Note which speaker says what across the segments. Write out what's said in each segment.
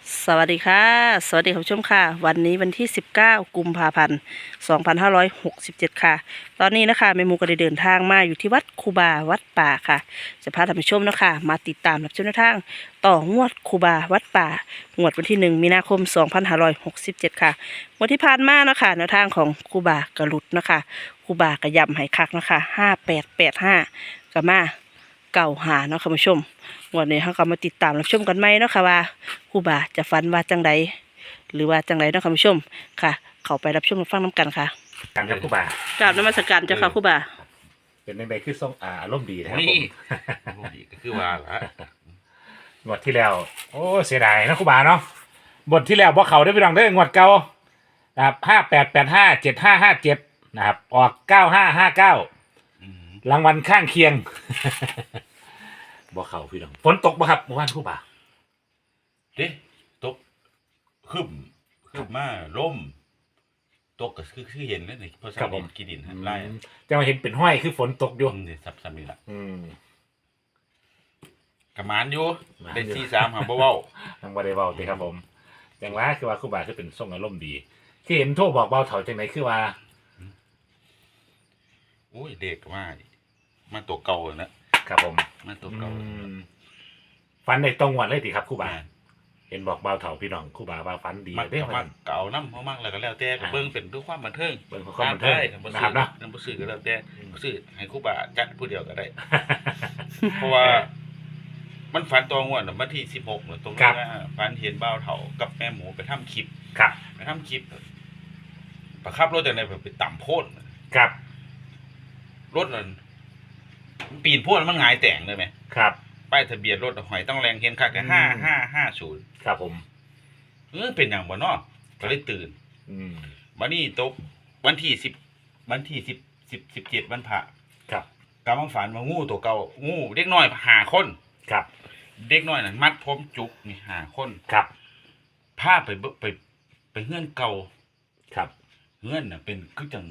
Speaker 1: สวัสดีค่ะสวัสดีคุณผู้ชมค่ะวันนี้วันที่19กุมภาพันธ์2567ค่ะตอนนี้นะคะแม่หมูก็ได้เดินทางมาอยู่ที่วัดคูบาวัดป่าค่ะจะพาท่านผู้ชมนะคะมาติดตามรับชมแนวทางต่องวดคูบาวัดป่างวดวันที่1มีนาคม2567ค่ะงวดที่ผ่านมานะคะแนวทางของคูบากระลุดนะคะคูบากระยำให้คักนะคะ5885กะมาเก่าหาเนาะค่ะคุณผู้ชม วันนี้เราก็มาติดตามรับชมกันไหมเนาะค่ะว่าครูบาจะฝันว่าจังใดหรือว่าจังใดเนาะค่ะคุณผู้ชมค่ะ เข้าไปรับชมรับฟังน้ำกันค่ะ
Speaker 2: การครับครูบาก
Speaker 1: ราบนมัสการเจ้าค่ะครูบา
Speaker 2: เป็นในคือส่งอารมณ์ดีนะครับผ
Speaker 3: นี่
Speaker 2: ม
Speaker 3: ดีก็คือว่าละ
Speaker 2: งวดที่แล้วโอ้เสียดายนะครูบาเนาะบทที่แล้วพวกเขาได้ไปลองได้งวดเก่านะครับ58857557นะครับออก9559
Speaker 3: อืม
Speaker 2: รางวัลข้างเคียง บ่เขาพี่น้องฝนตกบ่ครับเมื่อวานครูบา
Speaker 3: เด้ตกขึ้นมาล่มตกก็คือเห็นแล้วนี่เพราะสนิทกินดินไล่
Speaker 2: จะมาเห็นเป็นห้อยคือฝนตกอยู่
Speaker 3: นี่ซับนี่ล่ะ
Speaker 2: อืม
Speaker 3: กระมานอยู่
Speaker 2: กระมานอยู่
Speaker 3: ได้43หาบ่เว้า
Speaker 2: ทางบ่ได้เว้าติครับผมจังว่าคือว่าครูบาคือเป็นทรงอารมณ์ดีที่เห็นโทรบอกเบาเถาจังไหนคือว่า
Speaker 3: โอ้ยเด็กก็มาตัวเก่านะครับ
Speaker 2: ผม
Speaker 3: มาตัวเก่า
Speaker 2: ฟันในตรงวันเลยติครับครูบา
Speaker 3: แม่น
Speaker 2: เห็นบอกเบาเถาพี่น้องครูบาว่าฟันดี
Speaker 3: มัก
Speaker 2: ได้
Speaker 3: ก็
Speaker 2: ไหม
Speaker 3: มักเก่าน้ำเพราะมักแล้วก็แล้วแต่ก็เบิ่งเป็นด้วยความบันเทิง
Speaker 2: เบิ่งเพื่อความบันเทิง
Speaker 3: บ่
Speaker 2: นะครับเนาะ
Speaker 3: บ่ซื้อก็แล้วแต่บ่ซื้อให้ครูบาจัดผู้เดียวก็ได้ เพราะว่ามันฝันตัวงวดน่ะวันที่16น่ะตรงนี้ว่าฝันเห็นบ่าวเฒ่ากับแม่หมูไปทำคลิป
Speaker 2: ครับ
Speaker 3: ไปทำคลิปประคับรถจากไหนไปต่ำโพด
Speaker 2: ครับ
Speaker 3: รถนั่นมันปีนโพดแล้วมันหงายแต่งเลยไหม
Speaker 2: ครับ
Speaker 3: ป้ายทะเบียนรถหอยต้องแรงเห็นคักแต่5550
Speaker 2: ครับผม
Speaker 3: เป็นอย่างบ่เนาะก็เลยตื่น
Speaker 2: อืม
Speaker 3: วันนี้ตกวันที่10วันที่17วันพระ
Speaker 2: ครับ
Speaker 3: กำลังฝันว่างูตัวเก่างูเด็กน้อย5คน
Speaker 2: ครับ
Speaker 3: เด็กน้อยนั่นมัดผมจุกนี่5คน
Speaker 2: ครับ
Speaker 3: พาไปเฮือนเก่า
Speaker 2: ครับ
Speaker 3: เฮือนน่ะเป็นคือจัง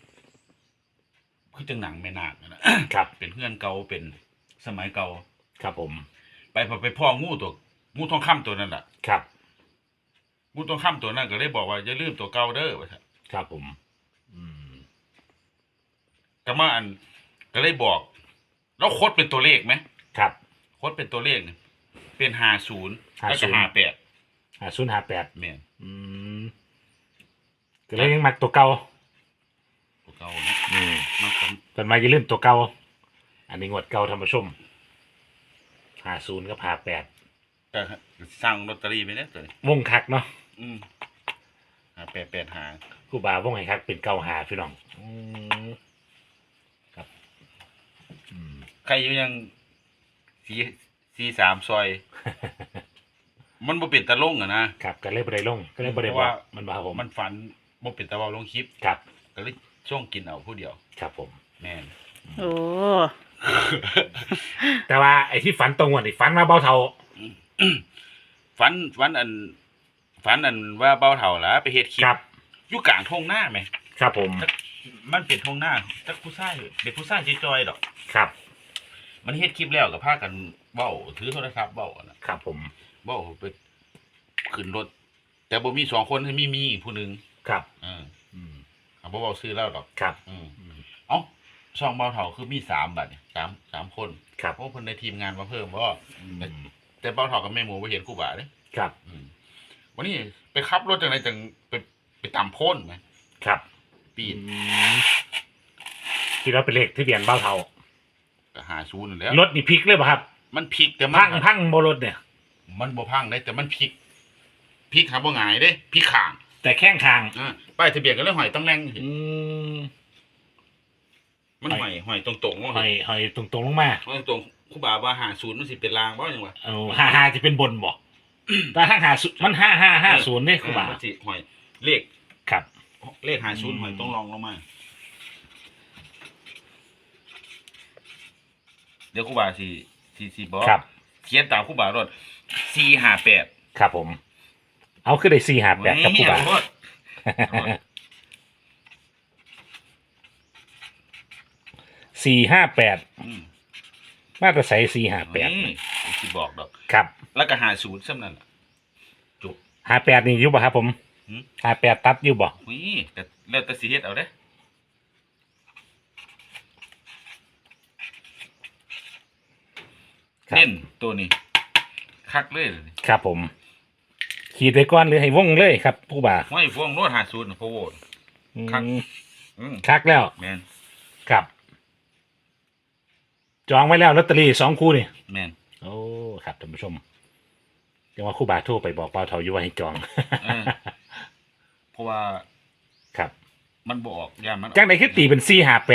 Speaker 3: หนังแม่นาคนั่นน่ะ
Speaker 2: ครับ
Speaker 3: เป็นเฮือนเก่าเป็นสมัยเก่า
Speaker 2: ครับผม
Speaker 3: ไปพ่องูทองคำตัวนั้นแหละ
Speaker 2: ครับ
Speaker 3: งูทองคำตัวนั้นก็เลยบอกว่าอย่าลืมตัวเก่าเด้อว่าซั่น
Speaker 2: ครับผม อืม
Speaker 3: ก็มาอันก็เลยบอกแล้วโคดเป็นตัวเลขไหม
Speaker 2: ครับ
Speaker 3: โคดเป็นตัวเลขนี่เป็น50แล้วก็58
Speaker 2: 5058
Speaker 3: แม่น
Speaker 2: อืมก็เลยยังมักตัวเก่า
Speaker 3: ตัวเก่านะ
Speaker 2: อืม
Speaker 3: มันก็
Speaker 2: จนมาอย่าลืมตัวเก่าอันนี้งวดเก่าท่านผู้ชม50กับ58
Speaker 3: ก็สั่งลอตเตอรี่ไปเนี่ยตัวนี้
Speaker 2: วงคักเนาะ
Speaker 3: อืม58หา
Speaker 2: ครูบาวงให้คักเป็นเก่าหาพี่น้องครับ อืม
Speaker 3: ใครอยู่ยัง43ซอย มันบ่เป็นตะลงอ่ะนะครับ
Speaker 2: ก็เลยบ่ได้ลงก็เลยบ่ได้
Speaker 3: เพ
Speaker 2: บ
Speaker 3: ราะ
Speaker 2: อก
Speaker 3: ว่า
Speaker 2: มันบ่ครับผม
Speaker 3: มันฝันบ่เป็นตะเว้าลงคลิป
Speaker 2: ครับ
Speaker 3: ก็เลยช่วงกินเอาผู้เดียว
Speaker 2: ครับผม
Speaker 3: แม่น
Speaker 1: โอ้
Speaker 2: แต่ว่าไอ้ที่ฝันตรงวันนี่ฝันมาเบาเท่า
Speaker 3: ฝันอันว่าเบาเฒ่าล่ะไปเฮ็ดคลิป
Speaker 2: ครับ
Speaker 3: อยู่กลางทุ่งนาแหม
Speaker 2: ครับผม
Speaker 3: มันเป็นทุ่งนาจักผู้ชายเป็นผู้ชายจอยๆดอก
Speaker 2: ครับ
Speaker 3: มันเฮ็ดคลิปแล้วก็พากันเว้าถือโทรศัพท์เว้าอะนะครับ
Speaker 2: ผม
Speaker 3: เว้าไปขึ้นรถ แต่บ่มี2คนมีอีกผู้หนึง
Speaker 2: ครับ
Speaker 3: อืม
Speaker 2: อืม
Speaker 3: บ่เว้าชื่อแล้วดอก
Speaker 2: ครับ
Speaker 3: อืม
Speaker 2: อืม
Speaker 3: เอ้าช่องเบาเฒ่าคือมี3บัดเนี่ย3คน
Speaker 2: ครับ
Speaker 3: เพราะเพิ่นได้ทีมงานมาเพิ่มบ่
Speaker 2: อืม
Speaker 3: แต่เบาเฒ่ากับแม่หมูบ่เห็นครูบาเด้
Speaker 2: ครับ
Speaker 3: วันนี้ไปขับรถจังไหนจังไปตามโพ้นไหม
Speaker 2: ครับ
Speaker 3: ปีน
Speaker 2: ที่เราเป็นเลขที่เบียนเบาเท่า
Speaker 3: ก็หาศูนย์นั่นแหล้ว
Speaker 2: รถนี่พลิกเลยป่ะครับ
Speaker 3: มันพลิกแต่มั
Speaker 2: พังโบรถเนี่ย
Speaker 3: มันบ่พังได้แต่มันพลิกหาบ่หงายเด้พลิกข้าง
Speaker 2: แต่แข้งทาง
Speaker 3: ป้ายทะเบียนก็เลยห้อยต้องแรงเห็น
Speaker 2: ม
Speaker 3: มันห้อยตรงๆว่า
Speaker 2: หอยตรงๆลงมา
Speaker 3: ห้อยตรงๆครูบาว่าหาศูนย์มันสิเป็นรางบ่จังวะ
Speaker 2: เอา55จะเป็นบนบ่แต่ถ้า50มัน5550เนี่ยครูบา
Speaker 3: มันสิห้อยเลข
Speaker 2: ครับ
Speaker 3: เลขหาศูนย์ห้อยต้องรองลงมาเดี๋ยวครูบาสิบอก
Speaker 2: ครับ
Speaker 3: เขียนตามครูบารถ458
Speaker 2: ครับผม เอาขึ้นได้458ครับครูบา 458
Speaker 3: อืม
Speaker 2: มาตรใส่458
Speaker 3: สิบอกดอก
Speaker 2: ครับ
Speaker 3: แล้วก็หาศูนย์ซ้ำนั่นล่ะจุก
Speaker 2: 58นี่อยู่บ่ครับผม
Speaker 3: หืม
Speaker 2: 58ตัดอยู่บ่
Speaker 3: หุยแต่แล้วแต่สิเฮ็ดเอาเด้เน้นตัวนี้คักเลยเดี๋ยวนี้
Speaker 2: ครับผม ขีดไว้ก่อนหรือให้วงเลยครับครูบา
Speaker 3: ไม่พวงโน้ต50นะพ่อโวด ครับ
Speaker 2: คักแล้ว
Speaker 3: แม่น
Speaker 2: ครับ จองไว้แล้วลอตเตอรี่2คู่นี่
Speaker 3: แม่น
Speaker 2: โอ้ครับท่านผู้ชมจังว่าครูบาโทรไปบอกเปาเถาอยู่ว่าให้จอง
Speaker 3: เออ เพราะว่า
Speaker 2: ครับ
Speaker 3: มันบ่ออกย่านมัน
Speaker 2: จังไดคือตีเป็น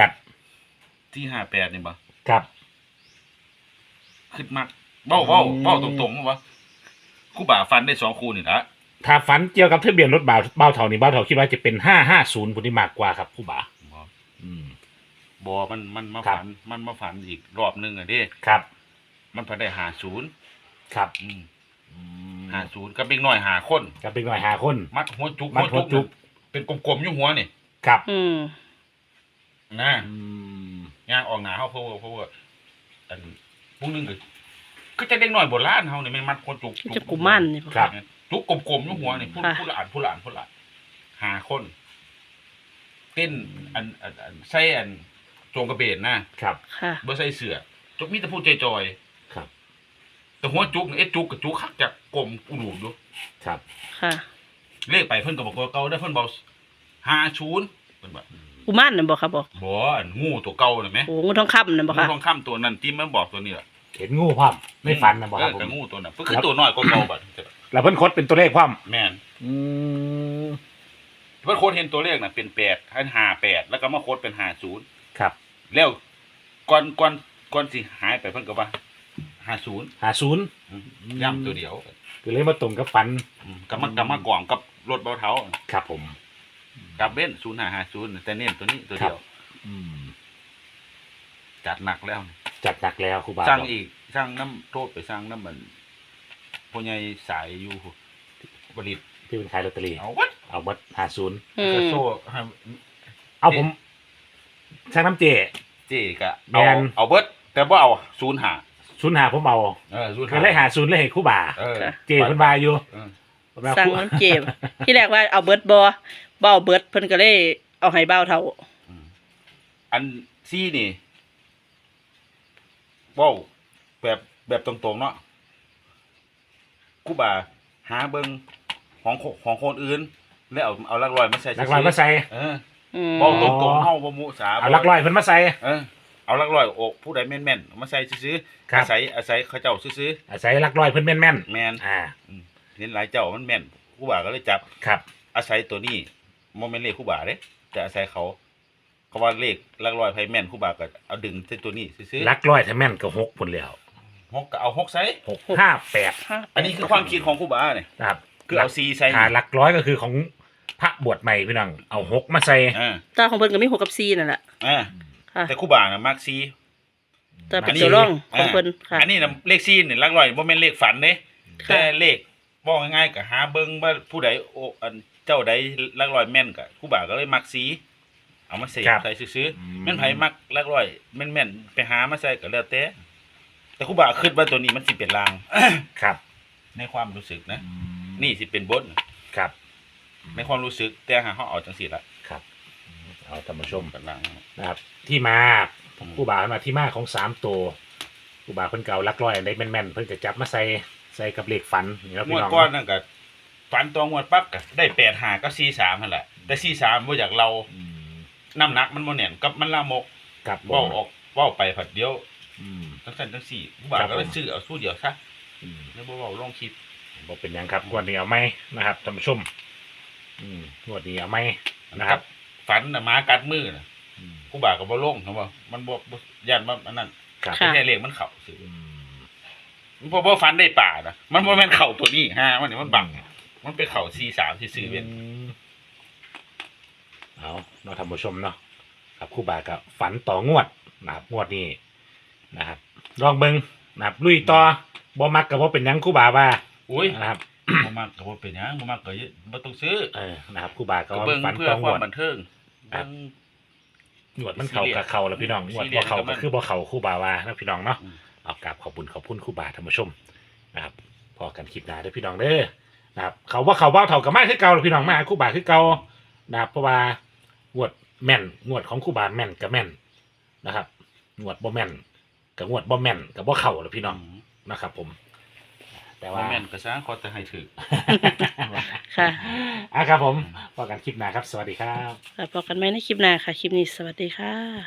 Speaker 2: 458
Speaker 3: ที่58นี่บ่
Speaker 2: ครับ
Speaker 3: ขึ้นมากเบ้าตรงๆว่าครูบาฟันได้2คู่นี่ละ
Speaker 2: ถ้าฝันเกี่ยวกับทะเบียนรถเบาเถานี่เบาเถาคิดว่าจะเป็น550พุ่นที่มากกว่าครับครูบา
Speaker 3: บ่
Speaker 2: อืม
Speaker 3: บ่มันมา
Speaker 2: ครับ
Speaker 3: ฝันมันมาฝันอีกรอบนึงอ่ะเด้
Speaker 2: ครับ
Speaker 3: มันฝันได้50
Speaker 2: ครับ
Speaker 3: อืม
Speaker 2: อืม
Speaker 3: 50กับเด็กน้อย5คน
Speaker 2: กับเป็นหน่อย5คน
Speaker 3: มัดหัวจุก
Speaker 2: มัดหัวจุก
Speaker 3: เป็นกลมๆอยู่หัวนี่
Speaker 2: ครับ
Speaker 1: อืม
Speaker 3: นะ
Speaker 2: อืม
Speaker 3: ย่างออกหน้าเฮาเพราะว่าอันพวกนึงก็จะเด็กน้อยโบราณเฮานี่แม่งมัดหัวจุก
Speaker 1: จะกุมันนี่บ่
Speaker 2: ครับ
Speaker 3: จุกกลมๆอยู่หัวนี่ผู้ละ5คนเต้นอันใส่อันโจงกระเบนนะครับ
Speaker 1: ค่ะ
Speaker 3: บ่ใส่เสื้อจุกมีแต่ผู้จอย
Speaker 2: ครับ
Speaker 3: ๆแต่หัวจุกนี่จุกกับจุกคักจะกลมอุดมอยู่
Speaker 2: ครับ
Speaker 1: ค่ะ
Speaker 3: เลขไปเพิ่นก็บอกว่าเก่าได้เพิ่นบอก50เพิ่นบอก
Speaker 1: กุมันนั่นบ่ครับบอก
Speaker 3: บ่อันงูตัวเก่าน่ะแหม
Speaker 1: โอ้งูทองคำนั่นบ่
Speaker 3: งู
Speaker 1: ค่ะ
Speaker 3: ทองคำตัวนั้นที่มันบอกตัวนี้ล่ะ
Speaker 2: เห็นงูพร้อมไม่ฝันนะบ่ครับผ
Speaker 3: กับ
Speaker 2: ม
Speaker 3: งูตัวนั้นเพิ่นคือตัวน้อยกว่าเก่าบัด
Speaker 2: แล้วเพิ่นคดเป็นตัวเลขพร้อม
Speaker 3: แม่น
Speaker 2: อืม
Speaker 3: เพิ่นโค้ดเห็นตัวเลขน่ะเป็น8ให้58แล้วก็มาโค้ดเป็น50
Speaker 2: ครับ
Speaker 3: แล้วก่อนสิหายไปเพิ่นก็ว่า50
Speaker 2: 50
Speaker 3: ย้ำตัวเดียว
Speaker 2: ก็เลยมาตรงกับฝัน
Speaker 3: ก็มากล่องกับรถเบาเท้า
Speaker 2: ครับผม
Speaker 3: กับเบ้น0550แต่เน้นตัวนี้ตัวเดียว
Speaker 2: อืม
Speaker 3: จัดหนักแล้ว
Speaker 2: จัดหนักแล้วครูบา
Speaker 3: สร้าง
Speaker 2: บอก
Speaker 3: อีกสร้างน้ำโทษไปสร้างน้ำมันพ่อใหญ่สายอยู่บริษ
Speaker 2: ที่เป็นขายลอตเตอรี่
Speaker 3: เอาวัด
Speaker 2: เอาบัตร50
Speaker 1: อื
Speaker 3: กระ
Speaker 1: ม
Speaker 3: โซ่ให้
Speaker 2: เอาผมช่างน้ำเจ
Speaker 3: เจ๊กะ
Speaker 2: แม่น
Speaker 3: เอาเบิดแต่ว่าเอา05
Speaker 2: ผมเอา
Speaker 3: 05
Speaker 2: ก็เลย50เลยให้ครูบา
Speaker 3: เออ
Speaker 2: เจเพิ่นว่าอยู่
Speaker 3: เออ
Speaker 1: สั่งน้ำเจ็บที่แรกว่าเอาเบิดบ่เอาเบิดเพิ่นก็เลยเอาให้เบาเท่า
Speaker 3: อันซี่นี่ว้าวแบบตรงๆเนาะครูบาหาเบิ่งของคนอื่น แล้วเอาหลักร้อยมาใส่
Speaker 2: หลักร้อยมาใส่
Speaker 3: เออ
Speaker 1: อืม
Speaker 3: เว้าตรงๆเฮาบ่มุสา
Speaker 2: เอาหลักร้อยเพิ่นมาใส่
Speaker 3: เออเอาหลักร้อยอกผู้ใดแม่นๆเอามาใส่ซื้อ
Speaker 2: ครับ
Speaker 3: อาศัยเขาเจ้าซื้อ
Speaker 2: อาศัยหลักร้อยเพิ่นแม่น
Speaker 3: แม่น เห็นหลายเจ้ามันแม่นครูบาก็เลยจับ
Speaker 2: ครับ
Speaker 3: อาศัยตัวนี้บ่แม่นเลขครูบาเด้แต่อาศัยเขาว่าเลขหลักร้อยไผแม่นครูบาก็เอาดึงใส่ตัวนี้ซื้อ
Speaker 2: หลักร้อยถ้าแม่นก็6พุ่นแล้ว
Speaker 3: หกก็เอา6ใส่
Speaker 2: 658
Speaker 3: อันนี้คือความคิดของครูบาเนี่ย
Speaker 2: นะครับ
Speaker 3: คือเอา4ใส่
Speaker 2: หลักร้อยก็คือของพระบวชใหม่พี่น้องเอา6มาใส่
Speaker 3: อ่า
Speaker 1: ตาของเพิ่นก็มี6กับ4นั่นแหละ ค่ะ
Speaker 3: แต่ครูบาน่ะมัก4
Speaker 1: แต่เป็นตัวร่องของเพิ่นค่ะ
Speaker 3: อันนี้น่ะเลข4นี่หลักร้อยบ่แม่นเลขฝันเด้
Speaker 1: ค่ะ
Speaker 3: แต่เลขบอกง่ายๆก็หาเบิ่งว่าผู้ใดอันเจ้าใดหลักร้อยแม่นก็ครูบาก็เลยมักสีเอามาเสกใส่ซื้อๆแม่นไผมักหลักร้อยแม่นๆไปหามาใส่ก็แล้วแต่ครูบาคิดว่าตัวนี้มันสิเป็นลาง
Speaker 2: ครับ
Speaker 3: ในความรู้สึกนะ นี่สิเป็นบท
Speaker 2: ครับ
Speaker 3: ในความรู้สึกแต่หาเฮาเอาจังซี่ละ
Speaker 2: ครับเอาท่านผู้ชม
Speaker 3: เป็นลาง
Speaker 2: นะครับ ที่มาครูบามาที่มาของ3ตัวครูบาเพิ่นเก่าหลักร้อยอันใดแม่นๆเพิ่นก็จับมาใส่กับเลขฝันนี่ครับ
Speaker 3: ง
Speaker 2: พี่
Speaker 3: วด
Speaker 2: น้อง
Speaker 3: ก่อนนั่นก็ฝันตัวงวดปั๊บก็ได้85กับ43นั่นแหละแต่43บ่อยากเรา
Speaker 2: อืม
Speaker 3: น้ำหนักมันบ่แน่นกับมันลามก
Speaker 2: ครับผม
Speaker 3: เว้าออกเว้าไปผัดเดียว
Speaker 2: อืม
Speaker 3: จังซั่นจังซี่ครูบาก็เลยซื้อเอาสู้เดียวซะ
Speaker 2: อืม
Speaker 3: แล้วบ่เว้าลงคลิป
Speaker 2: บอกเป็นหยังครับงวดนี้เอาไหมนะครับท่านผู้ชมงวดนี้เอาไหมนะครับ
Speaker 3: ฝันน่ะหมากัดมือน่ะ
Speaker 2: อืม
Speaker 3: ครูบาก็บ่ลงครับว่ามันบ่ย่านมันอันนั้น
Speaker 2: ครับ
Speaker 1: ค่ะ
Speaker 3: แค่เลขมันเข้าซื่อ
Speaker 2: อืม
Speaker 3: บ่ฝันได้ป่านะมันบ่แม่นเข้าตัวนี้ฮะมันนี่มันบังมันไปเข้า43ที่ซื้อเป็น
Speaker 2: เอาเนาะท่านผู้ชมเนาะครับครูบาก็ฝันต่องวดนะครับงวดนี้นะครับลองเบิ่งนะครับลุยต่อบ่มักก็บ่เป็นหยังครูบาว่า
Speaker 3: อุ้ย
Speaker 2: นะครับ
Speaker 3: บ่มักก็บ่เป็นหยังบ่มักก็บ่ต้องซื้อ
Speaker 2: นะครับครูบาก็
Speaker 3: ก็เบิ่ง
Speaker 2: ฝัน
Speaker 3: เพื่อ
Speaker 2: ต่อง
Speaker 3: ควาว ม
Speaker 2: ด
Speaker 3: บันเทิง
Speaker 2: ครับ
Speaker 3: เบิ่ง
Speaker 2: งวดมันเข้ากับเข้าแล้วพี่น้องงวดบ่เข้าก็คือบ่เข้าครูบาว่านะพี่น้องเนาะ
Speaker 3: อืม
Speaker 2: เอากราบขอบคุณครูบาท่านผู้ชมนะครับพอกันคลิปหน้าเด้อพี่น้องเด้อนะครับเขาว่าเท่ากับมาคือเก่าพี่น้องมาคู่บาคือเก่านะครับเพราะว่างวดแม่นงวดของคู่บาแม่นกับแม่นนะครับงวดบ่แม่นกับงวดบ่แม่นกับบ่เข้าแล้วพี่น้องนะครับผมแต่
Speaker 3: ว่า
Speaker 2: ว่า
Speaker 3: แม่นก็ซะขอแต่ให้ถือ
Speaker 1: ค่ะ
Speaker 2: ครับผมพอกันคลิปหน้าครับ สวัสดีครับ
Speaker 1: แล้วพบกันไหมในคลิปหน้าค่ะ คลิปนี้สวัสดีค่ะ